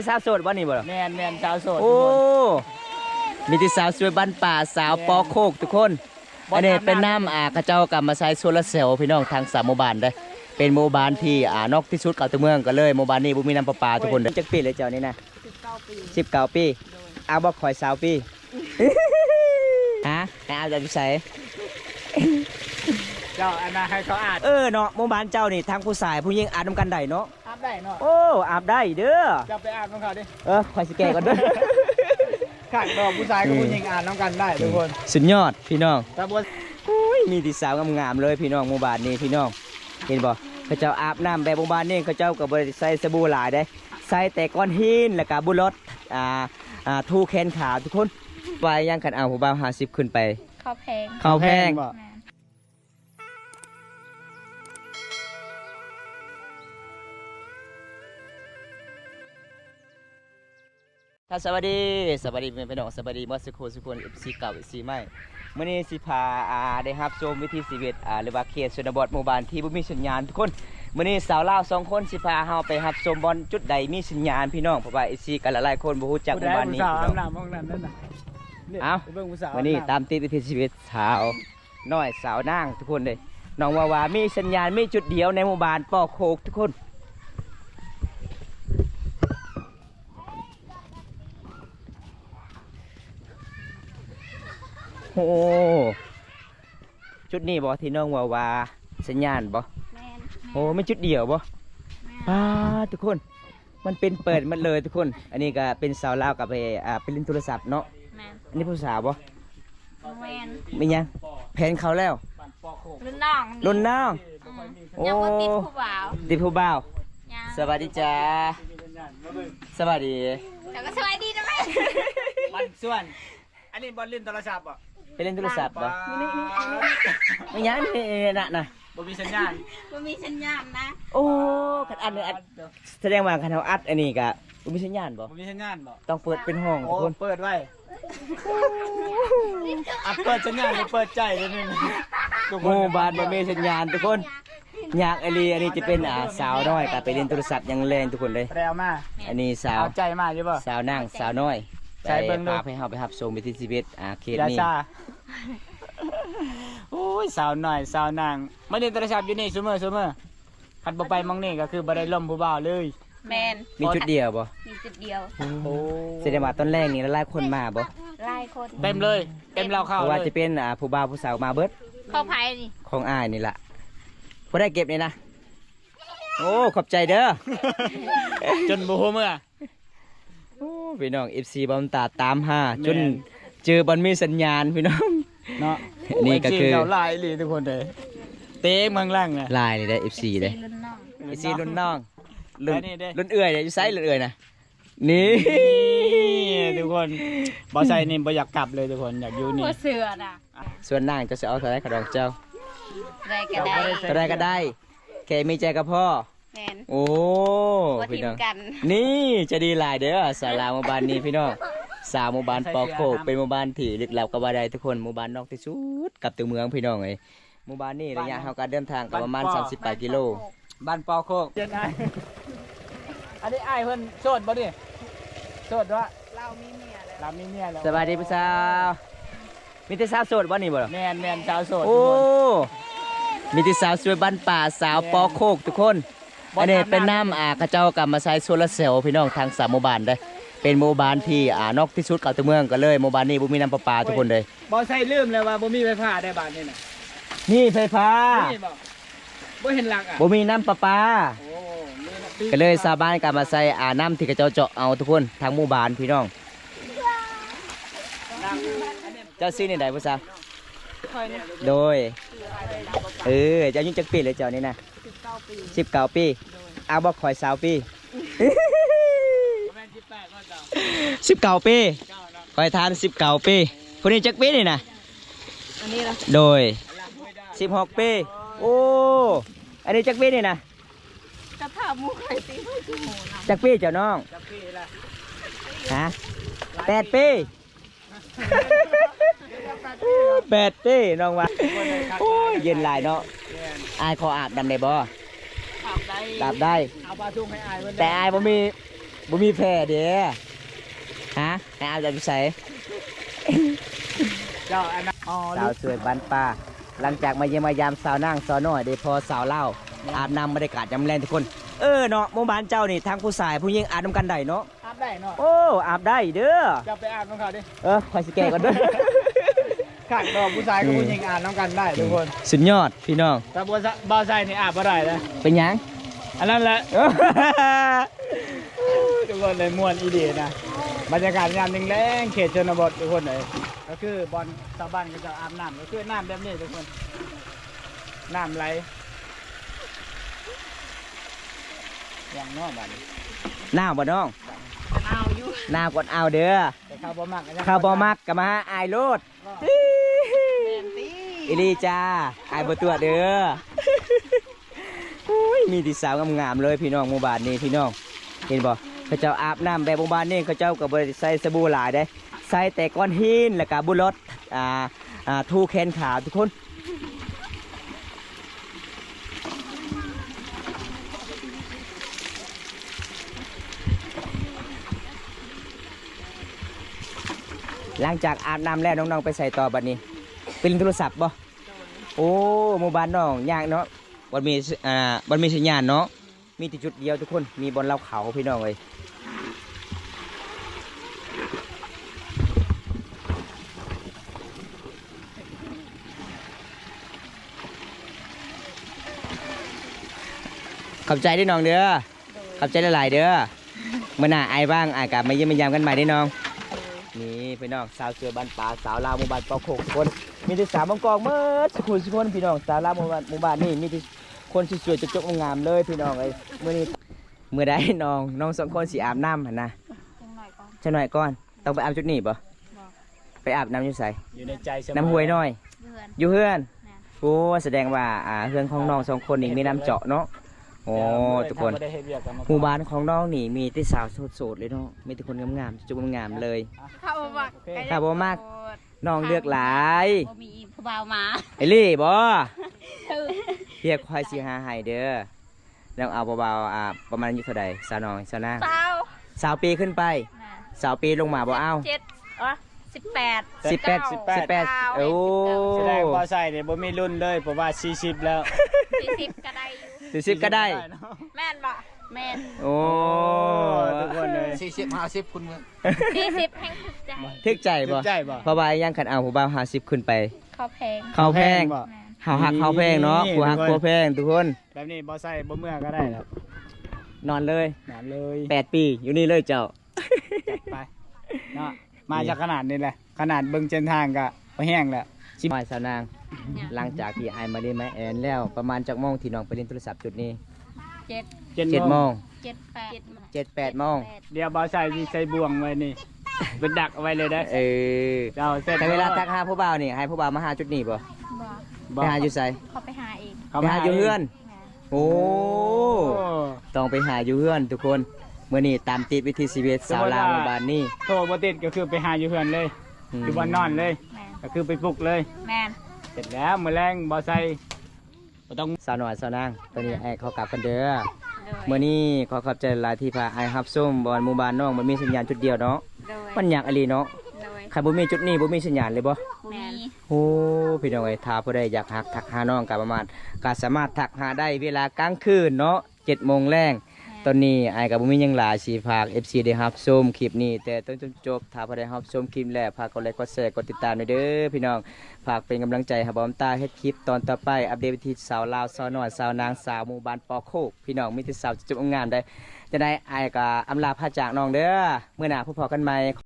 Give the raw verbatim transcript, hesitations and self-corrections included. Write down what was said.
สาวโสดวันนี้บ่ล่ะแมนแมนสาวโสดโอ้มีที่สาวสวยบ้านป่าสาวปอโคกทุกคนอันนี้เป็นน้ำอ่ากระเจ้ากำมาใช้โซลาร์เซลล์พี่น้องทางสามหมู่บ้านได้เป็นหมู่บ้านที่อ่านอกที่สุดเก่าตัวเมืองก็เลยหมู่บ้านนี้บ่มีน้ำประปาทุกคนจักปีเลยเจ้านี่นะสิบเก้าปีเอาบ่ข่อยสาวปีฮะให้เอาจากที่ไสเจ้าอันนั้นให้เขาอาบเออเนาะหมู่บ้านเจ้านี่ทั้งผู้ชายผู้หญิงอาบน้ำกันได้เนาะอาบได้เนาะโอ้อาบได้เด้อจะไปอาบน้ำเขาดิเออข่อยสิแก่ก่อนเด้อข้างดอกผู้ชายกับผู้หญิงอาบน้ำกันได้ทุกคนสุดยอดพี่น้องแต่บัวมีที่สาวงามๆเลยพี่น้องหมู่บ้านนี้พี่น้องเห็นบ่เขาเจ้าอาบน้ำแบบหมู่บ้านนี้เขาเจ้าก็บ่ได้ใส่สบู่หลายได้ใส่แต่ก้อนหินแล้วก็บุหรี่อ่าอ่าทูแขนขาทุกคนไปยังขันเอาผู้บ่าวห้าสิบขึ้นไปข้าวแพงข้าวแพงถ้าสวัสดีสวัสดีเป็นพี่น้องสวัสดีมอสโกสุคนเอฟซีเก่าเอฟซีใหม่เมื่อนี้สิพาอ่าได้รับชมวิถีชีวิตอ่าหรือว่าเขตชนบทหมู่บ้านที่บ่มีสัญญาณทุกคนเมื่อนี้สาวลาวสองคนสิพาเฮาไปรับชมบอลจุดใดมีสัญญาณพี่น้องเพราะว่าเอฟซีกันหลายๆคนบ่ฮู้จักหมู่บ้านนี้พี่น้องเอาวันนี้ตามติดวิถีชีวิตสาวน้อยสาวนางทุกคนเลยน้องว่าว่ามีสัญญาณมีจุดเดียวในหมู่บ้านปอโคกทุกคนโอ้จุดนี้บ่ที่น้องว่าว่าสัญญาณบ่โอ้ไม่จุดเดียวบ่ป้าทุกคนมันเป็นเปิดมันเลยทุกคนอันนี้ก็เป็นสาวลาวกับไปอ่าเป็นเล่นโทรศัพท์เนาะอันนี้ผู้สาวบ่ไม่ยังแผนเขาแล้วรุ่นน้องรุ่นน้องยังบ่ติดผู้บ่าวติดผู้บ่าวสวัสดีจ้าสวัสดีแต่ก็สวัสดีนะแม่มันส่วนอันนี้บอลเล่นโทรศัพท์ป่ะไปเล่นโทรศัพท์ป่ะไม่ยังนี่น่ะนะบ่มีสัญญาณบ่มีสัญญาณนะโอ้ขันอัดอัดแสดงว่าขันเขาอัดอันนี้กะบ่มีสัญญาณบ่บ่มีสัญญาณบ่ต้องเปิดเป็นห้องทุกคนเปิดไว้อัดเปิดสัญญาณเปิดใจเลยนี่หมู่บ้านบ่มีสัญญาณทุกคนอยากไอรีอันนี้จะเป็นอ่าสาวน้อยกะไปเล่นโทรศัพท์ยังแรงทุกคนเลยแปลมาอันนี้สาวใจมากใช่ป่ะสาวนั่งสาวน้อยใช้เบิ่งดูให้เฮาไปรับชมวิถีชีวิตอ่าเขตนี้โอ้ยสาวหน่อยสาวนางไม่ได้โทรศัพท์อยู่นี่ซุมื้อซุมื้อคันบ่ไปมองนี่ก็คือบ่ได้ล่มผู้บ่าวเลยแม่นมีจุดเดียวบ่มีจุดเดียวโอ้แสดงว่าตอนแรกนี่หลายคนมาบ่หลายคนเต็มเลยเต็มเราเข้าเลยว่าจะเป็นอ่าผู้บ่าวผู้สาวมาเบิดเข้าไผนี่ของอ้ายนี่ล่ะบ่ได้เก็บนี่นะโอ้ขอบใจเด้อจนบ่ฮู้เมื่อโอ้พี่น้อง เอฟ ซี บอมตาตามหาจนเจอบอลมีสัญญาณพี่น้องเนาะนี่ก็คือลายเลยทุกคนเลยเต้เมืองล่างนะลายนี่ได้ เอฟ ซี ได้ เอฟ ซี รุ่นน้องรุ่นรุ่นเอื่อยอยู่ไซส์รุ่นเอื่อยนะนี่ทุกคนบอไซนี่บออยากกลับเลยทุกคนอยากอยู่นี่เสือน่ะส่วนนางจะเอาเท่าไรขดองเจ้าได้ก็ได้เท่าไรก็ได้แค่มีใจกับพ่อโอ้พี่น้องนี่จะดีหลายเด้อสาราหมู่บ้านนี้พี่น้องสาวหมู่บ้านปอโคกเป็นหมู่บ้านที่ลึกลับกับว่าใดทุกคนหมู่บ้านนอกที่สุดกับตัวเมืองพี่น้องไอ้หมู่บ้านนี้ระยะทางการเดินทางก็ประมาณสามสิบแปดกิโลบ้านปอโคกอันนี้ไอ้เพิ่นโสดบ่ดิโสดวะเรามีเมียแล้วเรามีเมียแล้วสวัสดีพี่สาวมีแต่สาวโสดบ่นี่บ่แม่นแม่นสาวโสดโอ้มีแต่สาวสวยบ้านป่าสาวปอโคกทุกคนอันนี้เป็นน้ำอ่ากระเจ้ากำมาใช้โซลาร์เซลล์พี่น้องทางสามหมู่บ้านได้เป็นหมู่บ้านที่อ่านอกที่สุดเก่าตัวเมืองก็เลยหมู่บ้านนี้บ่มีน้ำประปาทุกคนเลยบ่ใส่ลืมเลยว่าบ่มีไฟฟ้าได้บ้านนี่น่ะนี่ไฟฟ้าบ่เห็นหลักอ่ะบ่มีน้ำประปาก็เลยชาวบ้านกำมาใส่อ่าน้ำที่กระเจ้าเจาะเอาทุกคนทางหมู่บ้านพี่น้องเจ้าซื้อในใดผู้สาวโดยเออเจ้ายุ่งจักปีเลยเจ้านี่นะสิบเก้าปีเอาบอกข่อยสาวปีสิบเก้าปีคอยทานสิบเก้าปีคนนี้จักปีนี่นะโดยสิบหกปีโอ้อันนี้จักปีนี่นะกระถามูไข่ตีไม่ถูกจักปีเจ้าน้องฮะแปดปีแปดปีน้องวะโอ้ยเย็นหลายเนาะอายขออาบดำได้บ่อาบได้แต่อายบ่มีบ่มีแพร่เด้ฮะให้อาบจะไปใส่เจ้าอันนั้นอ๋อสาวสวยบ้านป่าหลังจากมาเยี่ยมมายามสาวนั่งสาวน้อยได้พอสาวเล่าอาบน้ำบรรยากาศยามแรงทุกคนเออเนาะหมู่บ้านเจ้านี่ทั้งผู้ชายผู้หญิงอาบน้ำกันได้เนาะอาบได้เนาะโอ้อาบได้เด้อจะไปอาบน้ำเขาดิเออคอยสิแก่ก่อนเด้อข้างดอกผู้ชายกับผู้หญิงอาบน้ำกันได้ทุกคนสุดยอดพี่น้องแต่บัวบ่าวใส่นี่อาบบ่ได้เลยเป็นหยังอันนั้นแหละ ทุกคนเลยม่วนอีดีนะบรรยากาศยามแรงๆเขตชนบททุกคนเลยก็คือบอลชาวบ้านก็จะอาบน้ำก็คือน้ำแบบนี้ทุกคนน้ำไหลอย่างน้อยบ้านนี้หน้าบ่น้องเอาอยู่หน้ากดเอาเด้อแต่ข้าวบ่มักข้าวบ่มักก็มาหาอายโลดแมนตี้อิลีจ้าอายบ่ตัวเด้ออุ้ยมีที่สาวงามๆเลยพี่น้องหมู่บ้านนี้พี่น้องเห็นบ่เขาเจ้าอาบน้ำแบบหมู่บ้านนี้เขาเจ้าก็บ่ได้ใส่สบู่หลายเด้ใส่แต่ก้อนหินแล้วก็บุหรถอ่าอ่าทูแขนขาวทุกคนหลังจากอาบน้ำแล้วน้องๆไปใส่ต่อบัดนี้เป็นโทรศัพท์บ่โอ้หมู่บ้านน้องยากเนาะบ่มีอ่าบ่มีสัญญาณเนาะมีแต่จุดเดียวทุกคนมีบนเล่าเขาพี่น้องเอ้ยขอบใจด้วยน้องเด้อขอบใจหลายๆเด้อเมื่อหน้าไอ้บ้างอายกลับมาเยี่ยมมายามกันใหม่ได้น้องนี่พี่น้องสาวเสือบ้านป่าสาวลาวหมู่บ้านปอโคกทุกคนมีแต่สาวบางกอกเมื่อสักคนสักคนพี่น้องสาวลาวหมู่บ้านหมู่บ้านนี่มีแต่คนสวยๆจกๆงามๆเลยพี่น้องเอ้ยเมื่อนี้เมื่อใดน้องน้องสองคนสีอาบน้ำหั่นนะจังหน่อยก่อนจะหน่อยก่อนต้องไปอาบจุดนี้ปะไปอาบน้ำอยู่ใสอยู่ในใจเสมอน้ำห้วยน้อยเดือนอยู่เฮือนแม่นโอ้แสดงว่าอ่าเฮือนของน้องสองคนนี่มีน้ำเจาะเนาะโอ้ทุกคนถ้าบ่ได้เฮ็ดเวียกกันมาหมู่บ้านของน้องนี่มีแต่สาวโสดๆเลยเนาะมีแต่คนงามๆจุกๆงามๆเลยข้าวบักข้าวบ่มัก น้องเลือกหลายบ่มีผู้บ่าวมาไอ้ลี่บ่คือเรียกควายสีหาให้เด้อแล้วเอาเบาๆอ่าประมาณอายุเท่าใดสาวน้องสาวนาสาวสาวปีขึ้นไปแม่นสาวปีลงมาบ่เอาเจ็ดอ๋อสิบแปดสิบแปดสิบแปดโอ้แสดงว่าใส่เนี่ยบ่มีรุ่นเลยเพราะว่าสี่สิบแล้วสี่สิบก็ได้อยู่สี่สิบก็ได้เนาะแม่นบ่แม่นโอ้ทุกคนเลยสี่สิบห้าสิบคุณมึงสี่สิบแห่งถูกใจทึกใจบ่ใจบ่เพราะว่ายังขันเอาผู้บ่าวห้าสิบขึ้นไปเขาแพงเขาแพงบ่แม่นเฮาหักเขาแพงเนาะนี่ผู้หักทุกคนผู้แพงทุกคนแบบนี้บ่ใส่บ่เมื่อก็ได้ครับนอนเลยนอนเลยแปดปีอยู่นี่เลยเจ้าจัดไปเนาะมาจากขนาดนี้แหละขนาดเบิ่งเส้นทางก็บ่แห้งแล้วชิมอยสาวนาง หลังจากที่ไอายมาเล่นไม้แอนแล้วประมาณจากโมงที่น้องไปเล่นโทรศัพท์จุดนี้เจ็ดเจ็ดเจ็ดโมงเจ็ดแปดเจ็ดแปดโมงเดี๋ยวบ่ใส่สิใส่บ่วงไว้นี่เป็นดักเอาไว้เลยได้เออเจ้าเสร็จแต่เวลาทักหาผู้บ่าวนี่ให้ผู้บ่าวมาหาจุดนี้ป่ะบ่ไปหาอยู่ไสเขาไปหาเองไปหาอยู่เฮือนแม่นโอ้โอ้ต้องไปหาอยู่เฮือนทุกคนเมื่อนี้ตามติดวิธีชีวิตสาวลาวหมู่บ้านนี่โทรบ่ติดก็คือไปหาอยู่เฮือนเลยมอยู่บ่นอนเลยแม่นก็คือไปปลุกเลยแม่นเสร็จแล้วมื้อแรงบ่ใส่บ่ต้องสาวหน่อยสาวนางตอนนี้ไอ้เขากลับกันเด้อโดยเมื่อนี้ขอขอบใจหลายที่พาไอ้ฮับส้มบอลหมู่บ้านน้องมันมีสัญญาณจุดเดียวเนาะโดยมันอยากอะไรเนาะโดยใครบ่มีจุดนี้บ่มีสัญญาณเลยบ่แม่นโอ้พี่น้องเอ้ยถ้าผู้ใดอยากหักทักหาน้องก็ประมาณก็สามารถทักหาได้เวลากลางคืนเนาะเจ็ดโมงแรงตอนนี้ไอ้กับบุมีหยังหลายสิฝาก เอฟ ซี ได้รับชมคลิปนี้แต่ต้นจนจบถ้าผู้ใดรับชมคลิปแล้วฝากกดไลค์กดแชร์กดติดตามด้วยเด้อพี่น้องฝากเป็นกำลังใจให้บอมตาเฮ็ดคลิปตอนต่อไปอัปเดตวิธีสาวลาวสาวน้อยสาวนางสาวหมู่บ้านปอโคกพี่น้องมีแต่สาวจุ๊บงามได้จะได้ไอ้ก็อำลาพาจากน้องเด้อมื้อหน้าพบกันใหม่